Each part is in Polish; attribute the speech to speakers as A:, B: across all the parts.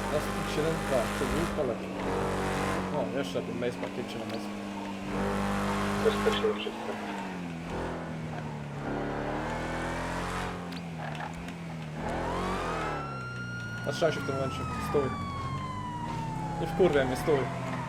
A: Teraz 7-2, to był kolej. O, jeszcze lepiej, Mace pakiecie na Mace.
B: Bezpiecznie wszystko.
A: Zatrzymaj się w tym momencie, stój. Nie wkurwiaj mnie, stój.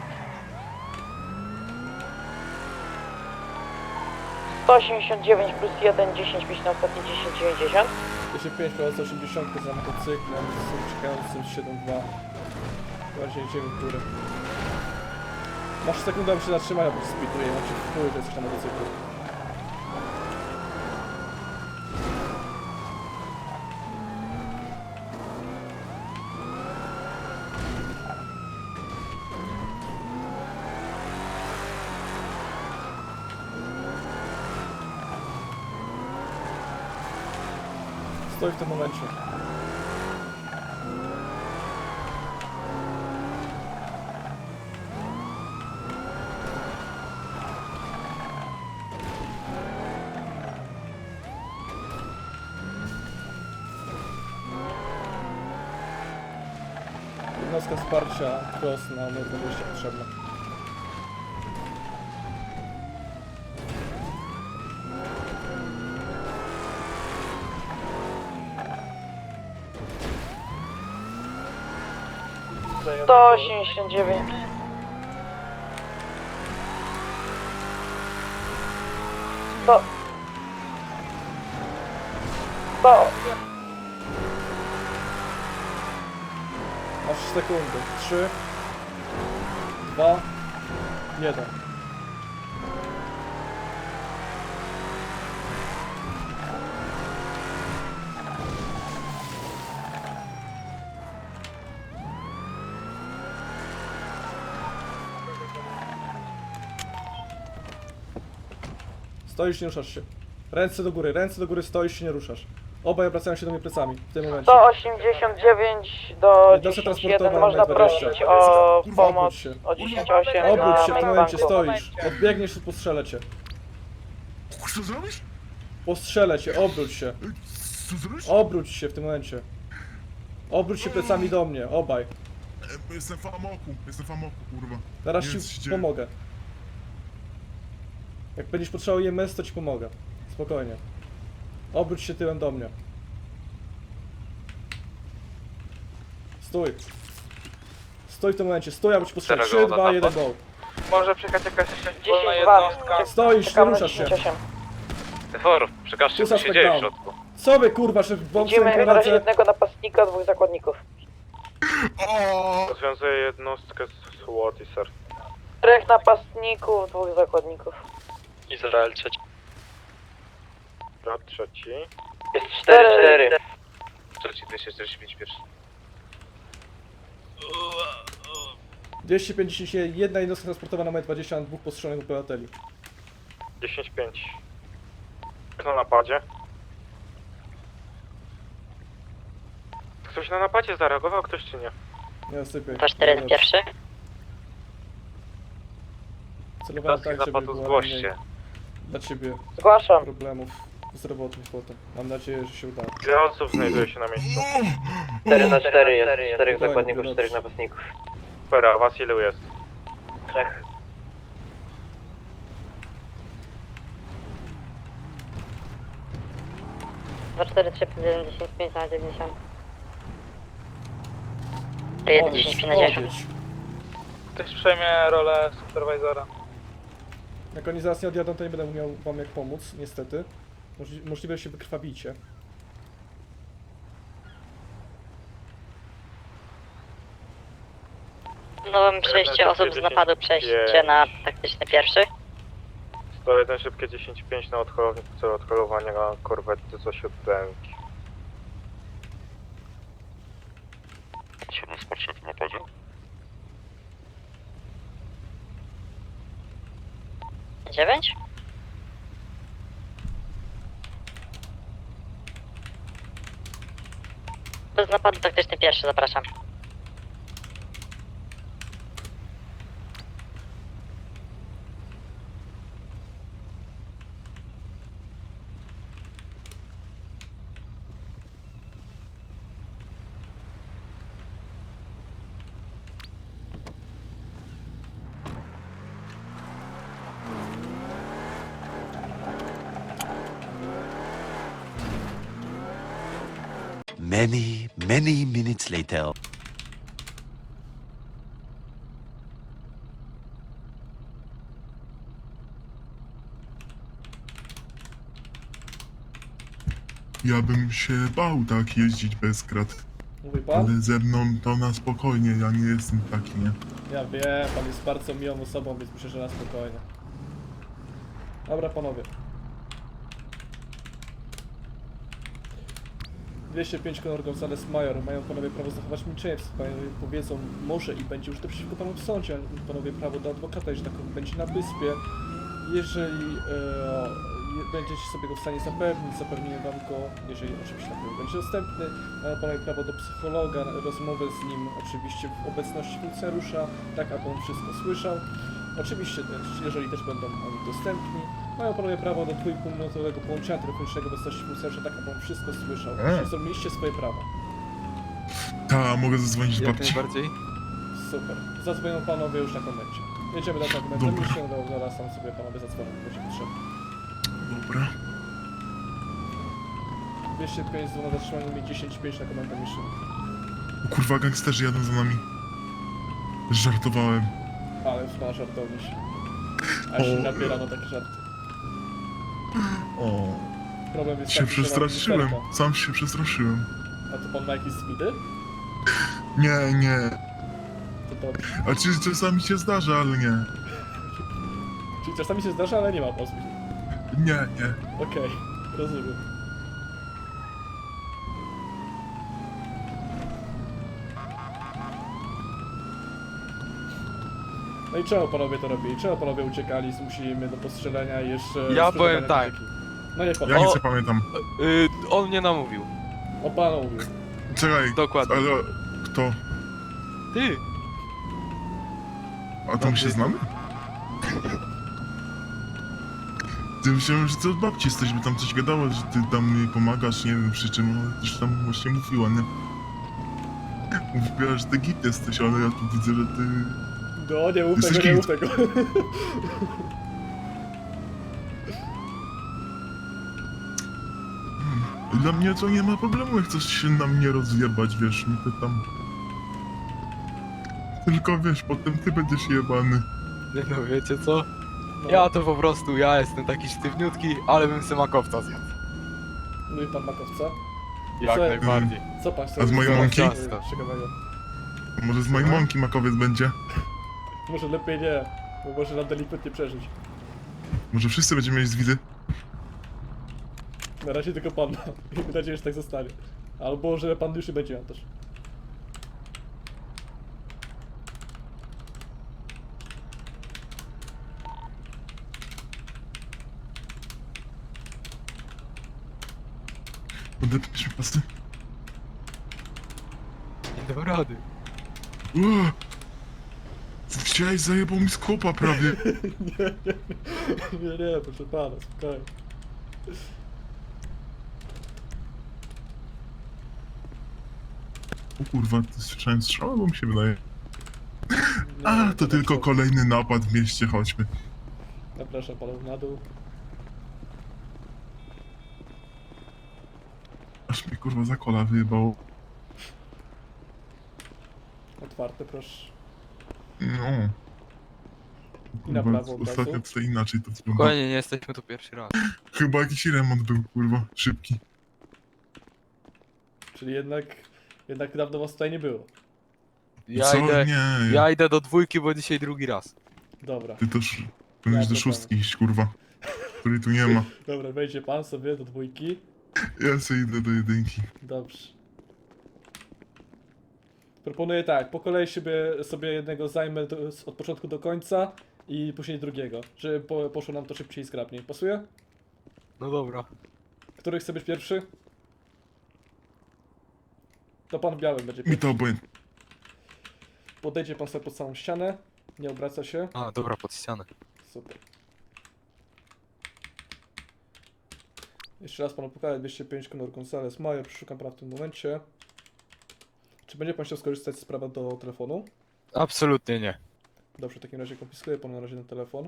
C: To 89 plus 1, 10, 5 na ostatnie 10, 90.
A: 25 plus 80 za motocyklem, czekającym 7-2. Bardziej idziemy w górę. Masz sekundę, aby się zatrzymać, albo się speeduje, macie w chuj, to jesteś na motocyklu. Stoi w tym momencie. Jednostka wsparcia cross na numer 20 potrzebna.
C: To 89. To...
A: Masz sekundy. 3, 2, 1. Stoisz, nie ruszasz się. Ręce do góry, stoisz się, nie ruszasz. Obaj obracają się do mnie plecami w tym momencie.
C: 189 do
A: Jednostka
C: 10,
A: transportowa
C: 1 można
A: numer 20.
C: prosić o
A: Obróć
C: pomoc
A: się.
C: o 10-8
A: Obróć
C: na
A: się w tym momencie,
C: mainbanku.
A: stoisz. Odbiegniesz i postrzelę cię.
D: Co zrobisz?
A: Postrzelę cię, obróć się.
D: Co zrobisz?
A: Obróć się w tym momencie. Obróć się plecami do mnie, obaj.
D: Jestem w amoku, kurwa.
A: Zaraz
D: Nie
A: ci
D: wiem, co się
A: pomogę. Jak będziesz potrzebował EMS, to ci pomogę. Spokojnie. Obróć się tyłem do mnie. Stój. Stój w tym momencie, stój, albo ci postrzelę. 3, 2, 1, go.
B: Może przyjechać jakaś wolna
C: 10-2.
B: jednostka.
A: Stoisz, nie
C: Czekamy na
A: ruszasz się.
C: 10-8.
B: Teforów, przekażcie
A: Tu
B: co się
A: suspect
B: dzieje w
A: down.
B: środku.
A: Co wy kurwa, że w bombce
C: Widzimy na razie
A: prowadzę?
C: jednego napastnika, 2 zakładników.
D: O!
B: Rozwiązuję jednostkę z SWAT i SER.
C: 4 napastników, 2 zakładników.
B: Izrael trzeci. Brat trzeci.
C: Jest 4-4.
B: Trzeci 245 pierwszy.
A: 251, jedna jednostka transportowa na metr 20, na 2 postrzelonych obywateli.
B: 10-5. Kto na napadzie? Ktoś na napadzie zareagował, ktoś czy nie?
A: Nie, sypię.
C: 4 pierwszy.
A: Celowałem
B: Jednostki
A: tak, żeby
B: napadu
A: było
B: zgłoście.
A: mniej dla ciebie
C: Zgłaszam.
A: problemów zdrowotnych potem. Mam nadzieję, że się uda.
B: Ile osób znajduje się na miejscu?
C: 4 na 4 jest. 4
A: Spokojnie,
C: zakładników,
A: dobrze.
C: 4 napastników.
B: Super, a was ilu jest?
C: 3.
E: Dwa, 4, 3, 1, 10, 5 na 90. 1, 10, 5 na 10.
A: Odjedź.
B: Ktoś przejmie rolę supervisora.
A: Jak oni zaraz nie odjadą, to nie będę miał wam jak pomóc, niestety. Możliwe, że się wykrwawicie.
E: No mam przejście osób z napadu, przejście na taktyczny pierwszy.
B: 101 szybkie 10-5 na odholownik w celu odholowania korwety z osiodłęki.
D: Potrzebne wsparcie w tym napadzie?
E: Dziewięć? Bez napadu taktyczny pierwszy, zapraszam.
F: Many minutes later.
D: Ja bym się bał tak jeździć bez krat.
A: Mówi pan?
D: Ale ze mną to na spokojnie, ja nie jestem taki, nie?
A: Ja wiem, pan jest bardzo miłą osobą, więc myślę, że na spokojnie. Dobra, panowie. 205 Conor Gonzalez Major. Mają panowie prawo zachować milczenie. Panowie powiedzą może i będzie użyte przeciwko panu w sądzie. Panowie prawo do adwokata, że tak będzie na wyspie. Jeżeli będziecie sobie go w stanie zapewnić, zapewnimy wam go, jeżeli oczywiście na pewno będzie dostępny. Mają panowie prawo do psychologa, rozmowę z nim oczywiście w obecności funkcjonariusza, tak aby on wszystko słyszał. Oczywiście też, jeżeli też będą oni dostępni, mają panowie prawo do 2,5-minutowego połączenia telefonicznego w obecności funkcjonariusza, tak aby on wszystko słyszał. Zrobiliście swoje prawa.
D: Ta, mogę zadzwonić do
G: Jak
D: babci.
G: najbardziej.
A: Super. Zadzwonią panowie już na komencie. Jedziemy do komentu,
D: Dobra.
A: już się zaraz tam sobie panowie zadzwonią, będzie potrzebne.
D: Dobra.
A: 205 dzwona zatrzymania mi 10-5 na komendę mission.
D: O kurwa, gangsterzy jadą za nami. Żartowałem.
A: Ale już na żartowniś. A się
D: O.
A: nabiera na takie żarty.
D: O,
A: Problem jest
D: się
A: taki, że mam
D: przestraszyłem.
A: lusterka.
D: Sam się przestraszyłem.
A: A to pan ma jakieś speedy?
D: Nie.
A: To dobrze.
D: A czy czasami się zdarza, ale nie.
A: Czyli czasami się zdarza, ale nie ma pan speedy.
D: Nie.
A: Okej, rozumiem. No i czemu panowie to robili? Czemu panowie uciekali, zmusili mnie do postrzelenia i jeszcze...
G: Ja
A: sprzedawania
G: powiem tak.
A: narkotyki? No nie pan.
D: Ja nic nie pamiętam.
G: On mnie namówił.
A: O panu mówił.
D: Czekaj,
G: Dokładnie.
D: ale kto?
G: Ty!
D: A to my się znamy? Ty myślałem, że ty od babci jesteś, by tam coś gadała, że ty tam jej pomagasz, nie wiem przy czym, ale też tam właśnie mówiła, nie? Mówiła, że ty git jesteś, ale ja tu widzę, że ty...
A: No nie mów
D: Jesteś
A: tego, nie mów
D: git.
A: tego.
D: Dla mnie to nie ma problemu, jak chcesz się na mnie rozjebać, wiesz, mi to tam... Tylko wiesz, potem ty będziesz jebany.
G: Nie no, wiecie co?
A: No,
G: Ja to po prostu, ja jestem taki sztywniutki, ale bym se makowca zjadł.
A: Mówi pan makowca?
G: Jak
A: Co-
G: najbardziej.
A: Co pan chce?
D: A z mojej
A: zrobić
G: mąki?
A: ciekawego?
D: Może z mojej mąki makowiec będzie?
A: Może lepiej nie, bo może nam delikwentnie przeżyć.
D: Może wszyscy będziemy mieć z widy?
A: Na razie tylko pan ma. I mam nadzieję, że tak zostanie. Albo, że pan już nie będzie miał też.
D: Odepniesz mi pasy?
G: Nie dam rady.
D: Uuu! Chciałeś zajebał mi z kopa prawie.
A: Nie, proszę pana, spokojnie.
D: O kurwa, ty słyszałem strzał, bo mi się wydaje.
A: Nie,
D: A, to tylko
A: co?
D: kolejny napad w mieście, chodźmy.
A: Zapraszam panów na dół.
D: Aż mnie kurwa za kola wyjebało.
A: Otwarte, proszę.
D: No.
A: I na
D: Kurwa,
A: prawo od
D: ostatnio
A: razu.
D: to inaczej to wygląda.
G: Spokojnie, nie jesteśmy tu pierwszy raz.
D: Chyba jakiś remont był, kurwa, szybki.
A: Czyli jednak dawno was tutaj nie było.
D: Nie,
G: Ja idę do dwójki, bo dzisiaj drugi raz.
A: Dobra.
D: ty też powinieneś do
A: to
D: szóstki iść, kurwa. Której tu nie ma.
A: Dobra, wejdzie pan sobie do dwójki.
D: Ja sobie idę do jedynki.
A: Dobrze. Proponuję tak, po kolei sobie jednego zajmę od początku do końca i później drugiego, żeby poszło nam to szybciej i zgrabniej. Pasuje?
G: No dobra.
A: Który chce być pierwszy? To pan w białym będzie
D: Mi
A: pierwszy.
D: to obojętnie.
A: Podejdzie pan sobie pod samą ścianę, nie obraca się.
G: A, dobra, pod ścianę.
A: Super. Jeszcze raz panu pokażę 205 Conor Gonzalez Major, przeszukam praw w tym momencie. Czy będzie pan chciał skorzystać z prawa do telefonu?
G: Absolutnie nie.
A: Dobrze, w takim razie konfiskuję panu na razie ten telefon.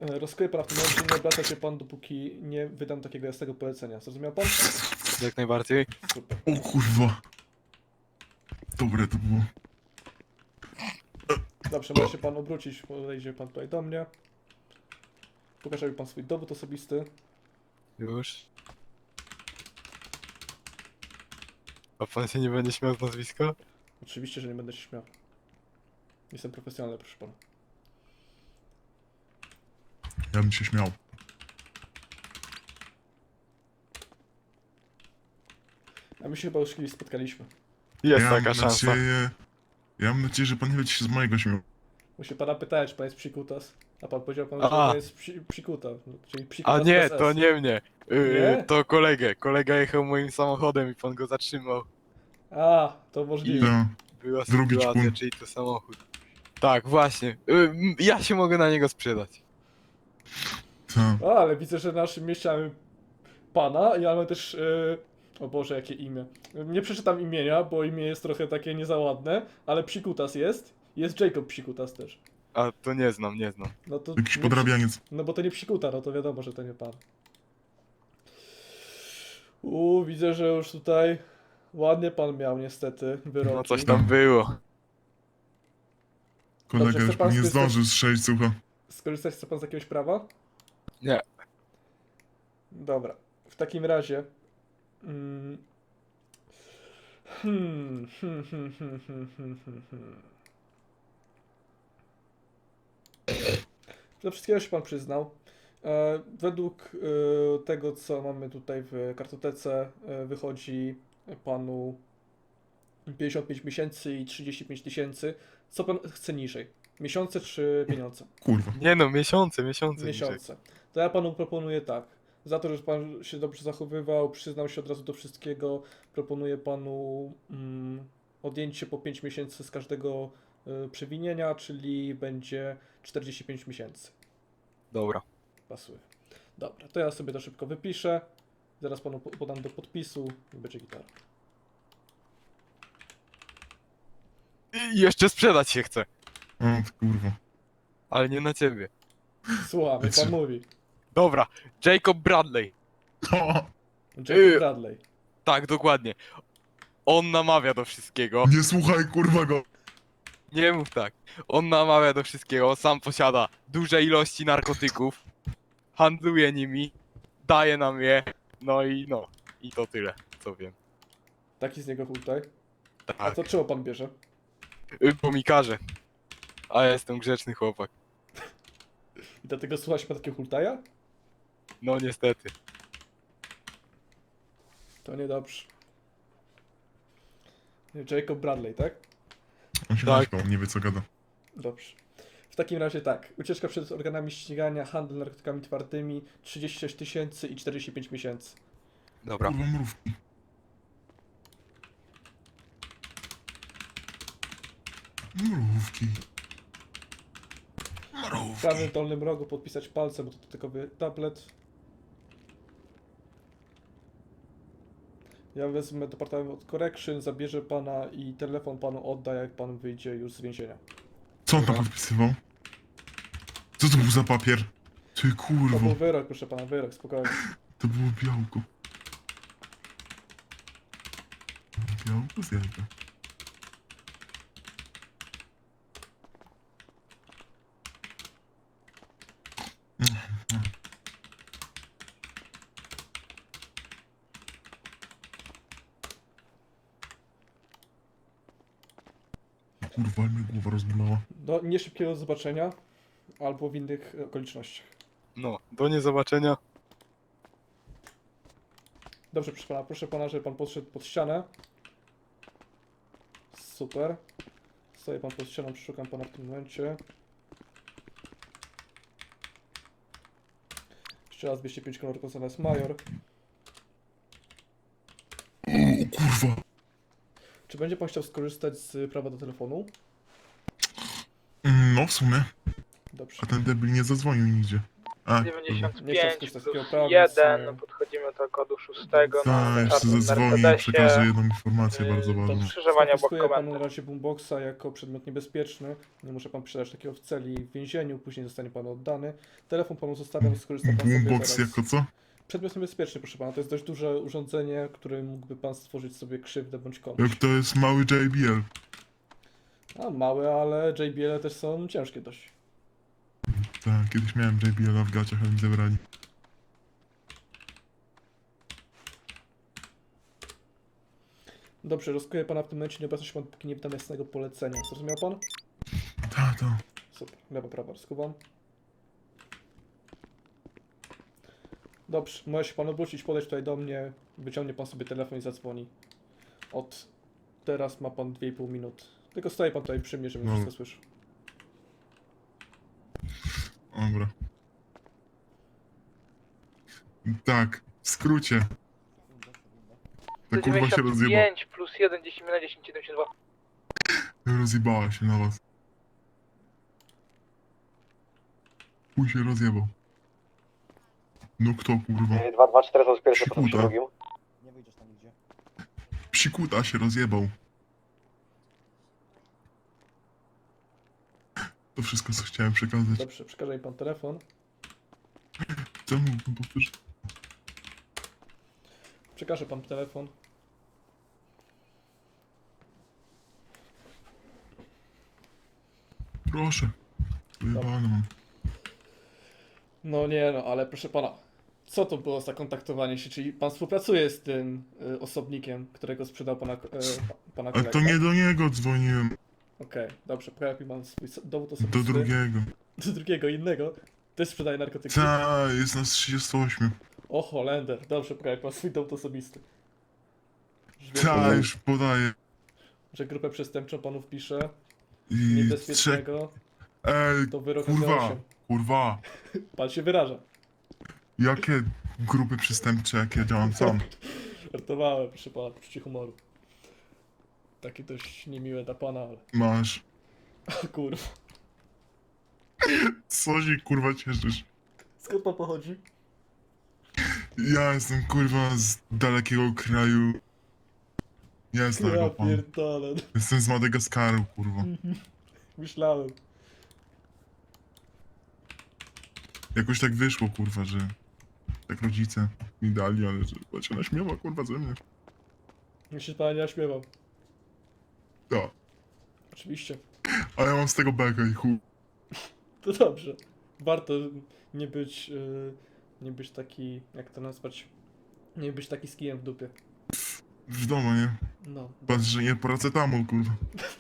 A: Rozkryję pana w tym momencie, nie obraca się pan, dopóki nie wydam takiego jasnego polecenia. Zrozumiał pan?
G: Jak najbardziej.
A: Super.
D: O kurwa. Dobre to było.
A: Dobrze, może się pan obrócić, podejdzie pan tutaj do mnie. Pokaże mi pan swój dowód osobisty.
G: Już. A pan się nie będzie śmiał z nazwiska?
A: Oczywiście, że nie będę się śmiał. Jestem profesjonalny, proszę pana.
D: Ja bym się śmiał.
A: A my się chyba już kiedyś spotkaliśmy.
G: Jest
D: ja
G: taka
D: mam
G: szansa.
D: nadzieję... Ja mam nadzieję, że pan nie będzie się z mojego śmiał.
A: Muszę pana pytać, czy pan jest psikutas. A pan powiedział pan, że
G: A.
A: pan jest psikuta. Czyli psikutas
G: A nie,
A: bez
G: to
A: S.
G: nie mnie.
A: Nie?
G: To kolegę. Kolega jechał moim samochodem i pan go zatrzymał.
A: A, to możliwe.
D: Ja.
G: Była
D: Drugi
G: sytuacja,
D: ćpun.
G: czyli to samochód. Tak, właśnie. Ja się mogę na niego sprzedać.
D: Tak.
A: A, ale widzę, że w naszym mieście mamy pana i mamy też... O Boże, jakie imię. Nie przeczytam imienia, bo imię jest trochę takie niezaładne, ale psikutas jest. Jest Jacob Psikutas też.
G: A to nie znam, nie znam.
A: No to
D: Jakiś
A: nie
D: podrabianiec.
A: No bo to nie psikuta, no to wiadomo, że to nie pan. Widzę, że już tutaj ładnie pan miał niestety wyroki.
G: No coś tam było.
D: Kolega
A: chce
D: już
A: pan
D: nie
A: skorzystać-
D: zdążył strzelić, słucha.
A: Skorzystać chce pan z jakiegoś prawa?
G: Nie.
A: Dobra. W takim razie... Mm, hmm, hmm, hmm, hmm, hmm, hmm, hmm, hmm. Do wszystkiego się pan przyznał. Według tego, co mamy tutaj w kartotece, wychodzi panu 55 miesięcy i 35 tysięcy. Co pan chce niżej? Miesiące czy pieniądze?
D: Kurwa.
G: Nie no, miesiące niżej.
A: Miesiące. To ja panu proponuję tak. Za to, że pan się dobrze zachowywał, przyznał się od razu do wszystkiego, proponuję panu odjęcie po 5 miesięcy z każdego przewinienia, czyli będzie 45 miesięcy.
G: Dobra.
A: Pasuje. Dobra, to ja sobie to szybko wypiszę. Zaraz panu podam do podpisu i będzie gitara.
G: I jeszcze sprzedać się chcę.
D: O, ty kurwa.
G: Ale nie na ciebie.
A: Słucham, jak pan mówi.
G: Dobra. Jacob Bradley.
A: Jacob Bradley.
G: Tak, dokładnie. On namawia do wszystkiego.
D: Nie słuchaj, kurwa go.
G: Nie mów tak. On namawia do wszystkiego. Sam posiada duże ilości narkotyków. Handluje nimi. Daje nam je. No. I to tyle, co wiem.
A: Taki z niego hultaj. A
G: Tak.
A: to czego pan bierze?
G: Bo mi każe. A ja jestem grzeczny chłopak.
A: I dlatego słucha się pan takiego hultaja?
G: No niestety.
A: To niedobrze. Jacob Bradley, tak?
D: On się
G: Tak.
D: naśmiał, nie wie co gada.
A: Dobrze. W takim razie tak. Ucieczka przed organami ścigania, handel narkotykami twardymi, 36 tysięcy i 45 miesięcy.
G: Dobra.
D: Kurwa mrówki. Mrówki.
A: W
D: Mrówki.
A: prawym dolnym rogu podpisać palcem, bo to dotykowy tablet. Ja wezmę departament correction, zabierze pana i telefon panu odda, jak pan wyjdzie już z więzienia.
D: Co on tam podpisywał? Co to był za papier? Ty
A: To
D: kurwo.
A: był wyrok, proszę pana, wyrok, spokojnie.
D: To było białko. Białko z jajka. Kurwa, ale mnie głowa rozbolała.
A: Do nieszybkiego zobaczenia, albo w innych okolicznościach.
G: No, do niezobaczenia.
A: Dobrze, proszę pana, żeby pan podszedł pod ścianę. Super. Stoję pan pod ścianą, przeszukam pana w tym momencie. Jeszcze raz 205 kolor Gonzales Major.
D: O kurwa.
A: Czy będzie pan chciał skorzystać z prawa do telefonu?
D: No w sumie.
A: Dobrze.
D: A ten debil nie zadzwonił nigdzie. A,
B: 95
A: coś
B: plus
A: takiego prawa,
B: 1,
A: więc,
B: podchodzimy do kodu 6
D: Ta,
B: na
D: jeszcze
B: czarnym
D: zadzwoni i
B: Mercedesie.
D: przekaże jedną informację bardzo
A: to
D: ważną.
B: Skrzyżowanie obok
A: skonfiskuję panu
B: komendy.
A: na razie boomboxa jako przedmiot niebezpieczny. Nie muszę pan posiadać takiego w celi w więzieniu, później zostanie panu oddany. Telefon panu zostawiam, skorzysta pan sobie
D: Boombox
A: zaraz.
D: jako co?
A: Przedmiot niebezpieczny, proszę pana. To jest dość duże urządzenie, którym mógłby pan stworzyć sobie krzywdę bądź komuś.
D: Jak to jest mały JBL.
A: A małe, ale JBL też są ciężkie dość.
D: Tak, kiedyś miałem JBL w gaciach, ale mi zabrali.
A: Dobrze, rozkuję pana w tym momencie, nie obecnie się pan, póki nie wydam jasnego polecenia. Zrozumiał pan?
D: Ta.
A: Super. Lewo, prawo, rozkuwam. Dobrze, może się pan obrócić, podejść tutaj do mnie, wyciągnie pan sobie telefon i zadzwoni. Od teraz ma pan 2,5 minuty. Tylko stoi pan tutaj przy mnie, żebym
D: No.
A: wszystko słyszał.
D: Dobra. Tak, w skrócie. Ta kurwa się rozjebała.
B: 95 plus 1, 10 na 10, 72.
D: Rozjebała się na was. Chuj się rozjebał. No kto kurwa?
F: 224 to jest pierwszy, potem przy
D: Psikuta.
F: drugim.
D: Psikuta się rozjebał. To wszystko co chciałem przekazać.
A: Dobrze, przekaże mi pan telefon.
D: Co mógłbym powtórzyć?
A: Przekażę pan telefon.
D: Proszę. Wyjebane mam.
A: No nie no, ale proszę pana. Co to było za kontaktowanie się? Czyli pan współpracuje z tym osobnikiem, którego sprzedał pana
D: Ale
A: kolega?
D: to nie do niego dzwoniłem.
A: Okej, dobrze, pojawi pan swój dowód
D: Do
A: osobisty.
D: drugiego.
A: Do drugiego, innego. Też sprzedaje narkotyki.
D: Ta, jest nas 38.
A: O Holender, dobrze, pojawi pan swój dowód osobisty. Że wie
D: Ta,
A: pan,
D: już podaję.
A: że grupę przestępczą panu wpisze,
D: I trzech...
A: niebezpiecznego, to wyrok na
D: Kurwa,
A: 8.
D: kurwa.
A: Pan się wyraża.
D: Jakie grupy przestępcze, jak ja działam sam?
A: Żartowałem, proszę pana, poczucie humoru. Takie dość niemiłe dla pana, ale...
D: Masz.
A: O kurwa.
D: Co się kurwa cieszysz?
A: Skąd pan pochodzi?
D: Ja jestem kurwa z dalekiego kraju. Ja z
A: Ja
D: daleko pan.
A: pierdolę.
D: Jestem z Madagaskaru, kurwa.
A: Myślałem.
D: Jakoś tak wyszło, kurwa, że tak rodzice mi dali, ale że chyba się naśmiewa, kurwa, ze mnie.
A: Ja się pana nie naśmiewał.
D: Ja.
A: Oczywiście.
D: A ja mam z tego bekę i chuj.
A: To dobrze. Warto nie być taki, jak to nazwać, nie być taki z kijem w dupie.
D: W domu, nie?
A: No.
D: Patrz, że nie paracetamol, kurwa.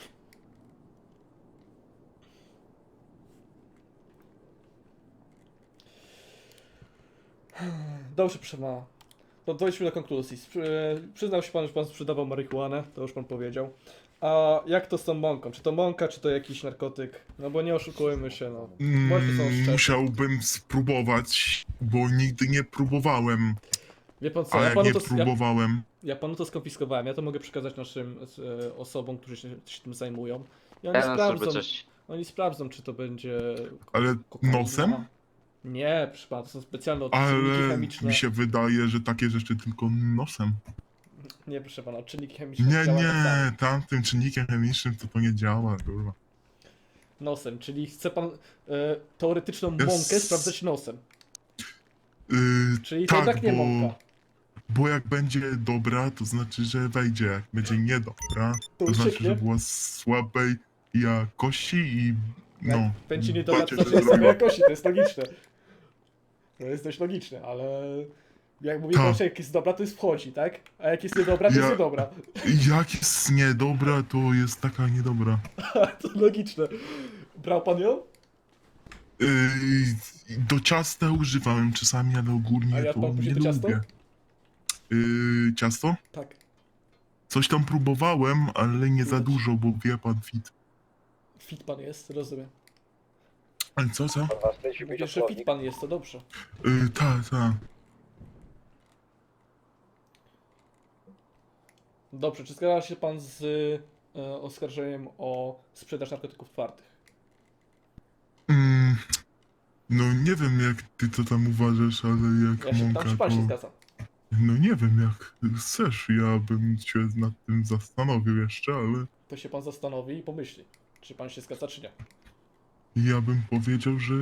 A: Dobrze, proszę pana. To dojdźmy do konkluzji. Przyznał się pan, że pan sprzedawał marihuanę, to już pan powiedział. A jak to z tą mąką? Czy to mąka, czy to jakiś narkotyk? No bo nie oszukujmy się, no. Bądźmy są szczerzy.
D: Musiałbym spróbować, bo nigdy nie próbowałem.
A: Wie pan co,
D: A
A: ja
D: jak
A: panu
D: nie
A: to,
D: próbowałem,
A: ja panu to skonfiskowałem, ja to mogę przekazać naszym osobom, którzy się tym zajmują. I oni
F: Jeden
A: sprawdzą,
F: sobie coś...
A: oni sprawdzą, czy to będzie
D: ale
A: kokaina.
D: nosem?
A: Nie, proszę pana, to są specjalne odczynniki
D: Ale
A: chemiczne.
D: mi się wydaje, że takie rzeczy tylko nosem.
A: Nie, proszę pana, odczynniki chemiczne
D: Nie,
A: działają tak samo.
D: nie, tamtym czynnikiem chemicznym to nie działa, kurwa.
A: Nosem, czyli chce pan teoretyczną
D: Jest-
A: mąkę sprawdzać nosem. Czyli to
D: tak,
A: i tak nie
D: bo,
A: mąka.
D: bo jak będzie dobra, to znaczy, że wejdzie. Jak będzie niedobra,
A: To
D: to znaczy,
A: ucieknie.
D: że była słabej jakości i no.
A: Jak będzie niedobra, to
D: bacie,
A: znaczy
D: że
A: jest słabej
D: zrobiła.
A: jakości, to jest logiczne. To jest dość logiczne, ale jak mówię,
D: Tak.
A: że jak jest dobra, to jest wchodzi, tak? A jak jest niedobra, to jest
D: Ja-
A: niedobra.
D: Jak jest niedobra, to jest taka niedobra.
A: To logiczne. Brał pan ją?
D: Do ciasta używałem czasami, ale
A: A
D: ogólnie
A: jadł pan
D: to
A: później
D: nie
A: to ciasto?
D: lubię. Ciasto?
A: Tak.
D: Coś tam próbowałem, ale nie za
A: Widać.
D: dużo, bo wie pan fit.
A: Fit pan jest, rozumiem.
D: Ale co?
A: Mówisz, że fit pan jest, to dobrze.
D: Tak.
A: Dobrze, czy zgadza się pan z oskarżeniem o sprzedaż narkotyków twardych?
D: No nie wiem jak ty to tam uważasz, ale jak
A: Ja się
D: mąka
A: tam, czy pan się
D: to...
A: zgadza?
D: No nie wiem jak chcesz, ja bym się nad tym zastanowił jeszcze, ale
A: To się pan zastanowi i pomyśli, czy pan się zgadza, czy nie.
D: ja bym powiedział, że...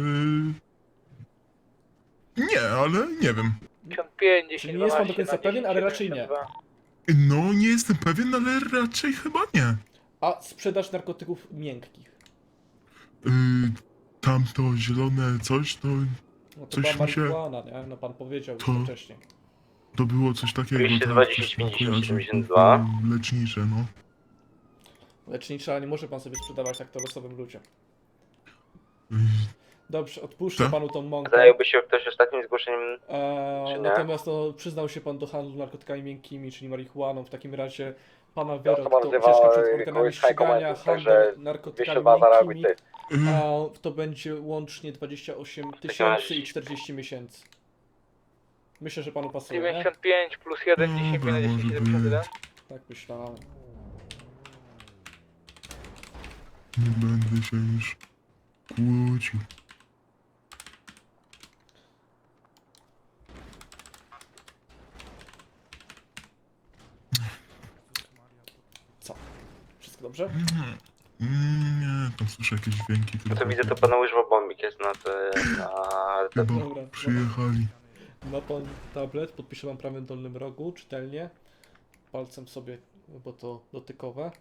D: Nie, ale nie wiem.
C: 55,
A: Czyli nie jest pan do końca pewien, ale raczej nie.
D: No nie jestem pewien, ale raczej chyba nie.
A: A sprzedaż narkotyków miękkich?
D: Yy, tamto zielone coś, to,
A: No to
D: Coś
A: była
D: mi się-
A: marihuana, nie? No pan powiedział już
D: To-
A: to wcześniej.
D: to było coś takiego.
B: 220,
D: tak, coś tam
B: 50,
D: kojarzę,
B: 72.
D: Lecznicze, no.
A: Lecznicza, ale nie może pan sobie sprzedawać tak to losowym ludziom.
D: Yy,
A: Dobrze, odpuszczę
D: Tak?
A: panu tą mąkę.
B: Zająłby się ktoś ostatnim zgłoszeniem? czy nie?
A: Natomiast no, przyznał się pan do handlu narkotykami miękkimi, czyli marihuaną. W takim razie pana
B: Ja
A: wyrok
B: osoba
A: to
B: nazywa
A: ucieczka przed organami
B: kogoś
A: ścigania,
B: hajkomentów,
A: handel
B: także
A: narkotykami
B: 202 zareaguj
A: miękkimi.
B: ty.
A: To będzie łącznie 28
B: takim
A: tysięcy
B: razie-
A: i 40 miesięcy. Myślę, że panu pasuje, nie?
C: 95 plus 1,
D: Dobra,
C: 10 na 10,
D: może
C: 71.
A: Tak myślałem.
D: Nie będę się już kłócił.
A: Co? Wszystko dobrze?
D: Nie, tam słyszę jakieś dźwięki.
B: To
D: tylko-
B: widzę, to pana łyżwa bombik jest na te... na...
D: Chyba
A: Dobra,
D: przyjechali.
A: Ma pan tablet, podpiszę wam prawym dolnym rogu, czytelnie. Palcem sobie, bo to dotykowe.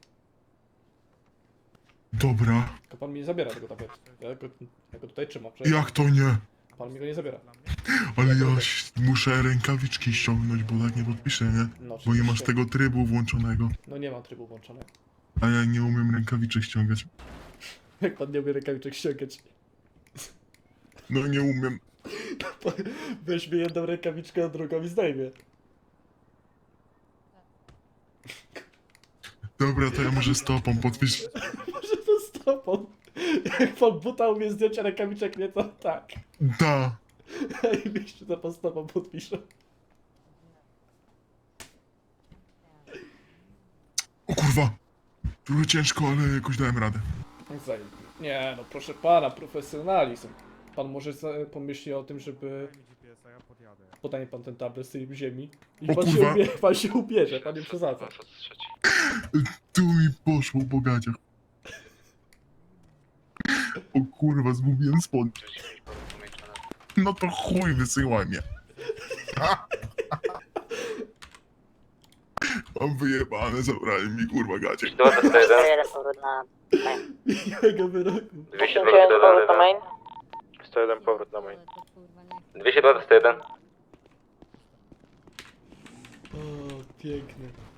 D: Dobra,
A: Tylko pan mi nie zabiera tego tabletu. Ja go tutaj trzymam. Przecież
D: jak to nie?
A: pan mi go nie zabiera.
D: Ale ja muszę rękawiczki ściągnąć, bo tak nie podpiszę, nie?
A: No,
D: Bo nie masz
A: oczywiście.
D: tego trybu włączonego.
A: No nie mam trybu włączonego.
D: A ja nie umiem rękawiczek ściągać.
A: Jak pan nie umie rękawiczek ściągać.
D: No nie umiem.
A: Weźmie jedną rękawiczkę, a drugą i zdejmie.
D: Dobra, to ja może stopą podpisz.
A: Może to stopą. Jak pan buta umie zdjąć, a rękawiczek nie, to tak.
D: Da.
A: I wyjście to pan stopą podpisze.
D: O kurwa. Trochę ciężko, ale jakoś dałem radę.
A: Nie no, proszę pana, profesjonalizm. Pan może pomyśli o tym, żeby... Podanie pan ten tablet z tej ziemi. I
D: O
A: pan
D: kurwa.
A: pan się ubierze, pan nie przesadza.
D: Tu mi poszło po gaciach. O kurwa, zgubiłem spodnie. No to chuj, wysyłaj mnie. Mam wyjebane, zabrali mi kurwa gacie.
E: 101 powrót na...
A: Miłego wyroku.
B: 202
C: powrót na main.
B: 101 powrót na main. 202 101.
A: O, piękny.